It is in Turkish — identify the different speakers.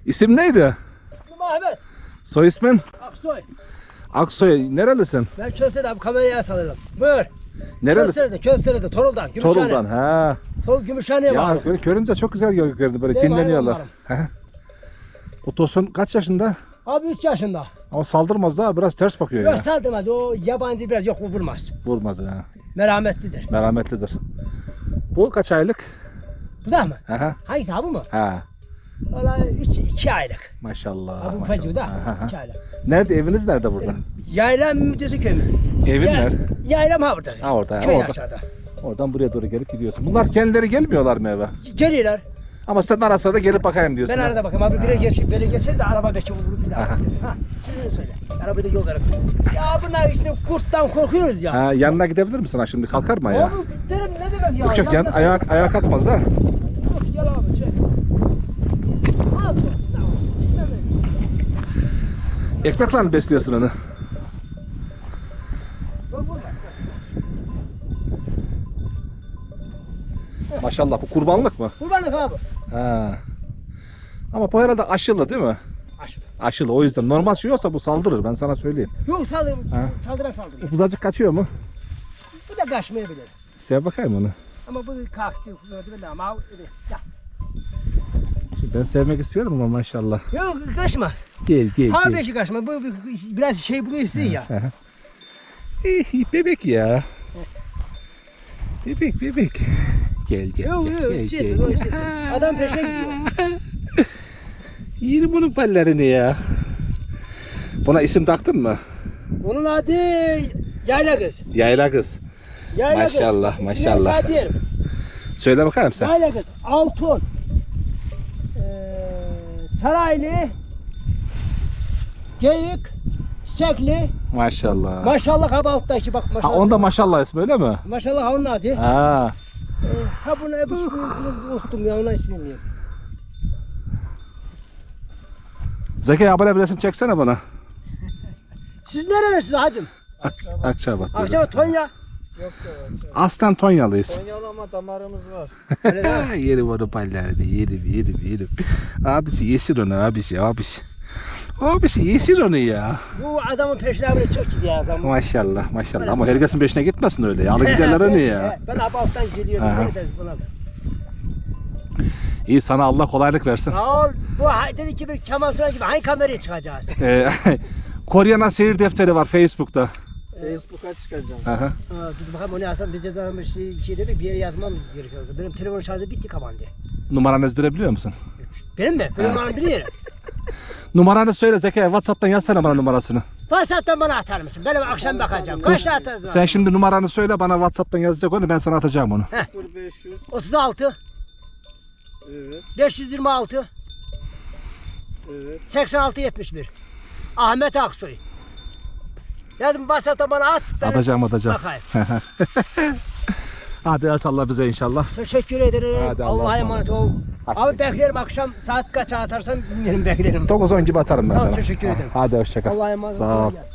Speaker 1: İsim neydi?
Speaker 2: İsmim Ahmet.
Speaker 1: Soy ismin?
Speaker 2: Aksoy.
Speaker 1: Aksoy. Nerelisin?
Speaker 2: Ben Köste'de abi kameraya salıyorum. Buyur.
Speaker 1: Nerelisin?
Speaker 2: Köste'de, Torul'dan. Gümüşhane.
Speaker 1: Torul'dan. Ha.
Speaker 2: Torul Gümüşhane'ye
Speaker 1: Ya
Speaker 2: bağlı.
Speaker 1: böyle görünce çok güzel görünüyor böyle
Speaker 2: Benim
Speaker 1: dinleniyorlar.
Speaker 2: hayvanlarım.
Speaker 1: He. O Tosun kaç yaşında?
Speaker 2: Abi 3 yaşında.
Speaker 1: Ama saldırmaz da biraz ters bakıyor
Speaker 2: Yok
Speaker 1: ya.
Speaker 2: saldırmaz. O yabancı biraz yok vurmaz.
Speaker 1: Vurmaz ha.
Speaker 2: Merhametlidir.
Speaker 1: Merhametlidir. Bu kaç aylık?
Speaker 2: Bu da mı?
Speaker 1: Aha.
Speaker 2: Hangisi abi mı?
Speaker 1: Ha.
Speaker 2: Valla 2 aylık.
Speaker 1: Maşallah.
Speaker 2: Abi bu
Speaker 1: maşallah.
Speaker 2: feci da
Speaker 1: Aha.
Speaker 2: 2 aylık.
Speaker 1: Nerede eviniz nerede burada?
Speaker 2: Yaylam müddesi köy mü?
Speaker 1: Evin
Speaker 2: Ya-
Speaker 1: nerede?
Speaker 2: Yaylam ha burada.
Speaker 1: Ha orada,
Speaker 2: Köy
Speaker 1: orada.
Speaker 2: aşağıda.
Speaker 1: Oradan buraya doğru gelip gidiyorsun. Bunlar kendileri gelmiyorlar mı eve?
Speaker 2: Geliyorlar.
Speaker 1: Ama sen ara sıra da gelip bakayım diyorsun.
Speaker 2: Ben
Speaker 1: ha?
Speaker 2: arada bakayım abi bire geçer de araba belki vurur bizi.
Speaker 1: Aha.
Speaker 2: Ha, şunu söyle. Arabayı da yol verin. Ya bunlar işte kurttan korkuyoruz ya.
Speaker 1: Ha, yanına gidebilir misin ha şimdi? Kalkar mı ayağa?
Speaker 2: Abi derim ne demek ya?
Speaker 1: Yok yok yan,
Speaker 2: Yanına-
Speaker 1: ayağa kalkmaz da.
Speaker 2: Yok, gel abi çek. Al bu. Tamam. İstemiyorum.
Speaker 1: Ekmekle mi besliyorsun onu?
Speaker 2: Yok, vurma.
Speaker 1: Maşallah bu kurbanlık mı?
Speaker 2: Kurbanlık abi.
Speaker 1: Ha. Ama bu herhalde aşılı değil mi?
Speaker 2: Aşırı.
Speaker 1: Aşılı o yüzden. Normal şey olsa bu saldırır ben sana söyleyeyim.
Speaker 2: Yok
Speaker 1: Ha.
Speaker 2: saldıra.
Speaker 1: Bu buzacık kaçıyor mu?
Speaker 2: Bu da kaçmayabilir.
Speaker 1: Sev bakayım onu.
Speaker 2: Ama bu kalktı. Gördü beni ama. Ya.
Speaker 1: Şimdi ben sevmek istiyorum ama maşallah.
Speaker 2: Yok kaçma.
Speaker 1: Gel.
Speaker 2: Harbi kaçma. Bu biraz şey bunu istiyor ya.
Speaker 1: Bebek ya. Bebek. Gel.
Speaker 2: Yok şey yapıyor, yok, şey yapıyor. Adam peşine gidiyor.
Speaker 1: Yerim bunun pallerini ya. Buna isim taktın mı?
Speaker 2: Onun adı Yayla Kız.
Speaker 1: Yayla kız.
Speaker 2: Yayla
Speaker 1: Maşallah,
Speaker 2: Kız.
Speaker 1: maşallah.
Speaker 2: İsmini sana diyelim.
Speaker 1: Söyle bakayım sen.
Speaker 2: Yayla Kız. Altun. Saraylı. Geyik. Çiçekli.
Speaker 1: Maşallah.
Speaker 2: Maşallah abi alttaki bak
Speaker 1: Ha
Speaker 2: maşallah.
Speaker 1: onda maşallah ismi öyle mi?
Speaker 2: Maşallah ha onun adı.
Speaker 1: Ha.
Speaker 2: Ha bunu hep ismini unuttum ya ona ismini bilmiyorum.
Speaker 1: Zeki abone bir resim çeksene bana.
Speaker 2: Siz nerelisiniz hacım?
Speaker 1: Akçabat.
Speaker 2: Akşam Tonya.
Speaker 1: Aslen Tonyalıyız.
Speaker 3: Konyalı ama damarımız var.
Speaker 2: Öyle değil mi?
Speaker 1: Yerim onu pallerini. Yerim. Abisi yesin onu abisi. Abisi yesin onu ya.
Speaker 2: Bu adamın peşine böyle çok gidiyor adam.
Speaker 1: Maşallah. Ama herkesin peşine gitmesin öyle ya. Alı giderler onu ya.
Speaker 2: Ben abi alttan geliyordum.
Speaker 1: Aha.
Speaker 2: Böyle de buna.
Speaker 1: İyi sana Allah kolaylık versin.
Speaker 2: Sağ ol. Bu dedi ki Kemal Sunal gibi hangi kameraya çıkacağız?
Speaker 1: Koryana seyir defteri var Facebook'ta.
Speaker 3: Facebook'a çıkacağım.
Speaker 1: Aha.
Speaker 2: Dur bakalım onu yazsam biz yazarmış şey dedik bir yere yazmamız gerekiyor. Benim telefon şarjı bitti kapandı.
Speaker 1: Numaranı ezbere biliyor musun?
Speaker 2: Benim mi? Benim numaramı biliyorum.
Speaker 1: Numaranı söyle Zeki. WhatsApp'tan yazsana bana numarasını.
Speaker 2: WhatsApp'tan bana atar mısın? Ben akşam bakacağım. Kaçta atarsın?
Speaker 1: Sen şimdi numaranı söyle bana WhatsApp'tan yazacak onu ben sana atacağım onu.
Speaker 3: 0500.
Speaker 2: 36
Speaker 3: Evet.
Speaker 2: 526
Speaker 3: Evet.
Speaker 2: 86 71 Ahmet Aksoy. Yazın WhatsApp'tan bana at. Ben
Speaker 1: Atacağım.
Speaker 2: bakayım.
Speaker 1: Hadi Allah bize inşallah.
Speaker 2: Teşekkür ederim.
Speaker 1: Hadi Allah'a
Speaker 2: Allah'a emanet ol. Abi beklerim akşam saat kaça atarsan bilmiyorum beklerim.
Speaker 1: 9-10 gibi atarım ben
Speaker 2: Tamam,
Speaker 1: sana.
Speaker 2: teşekkür ederim.
Speaker 1: Hadi hoşça kal.
Speaker 2: Allah'a emanet ol.
Speaker 1: Sağ ol.
Speaker 2: Kolay gelsin.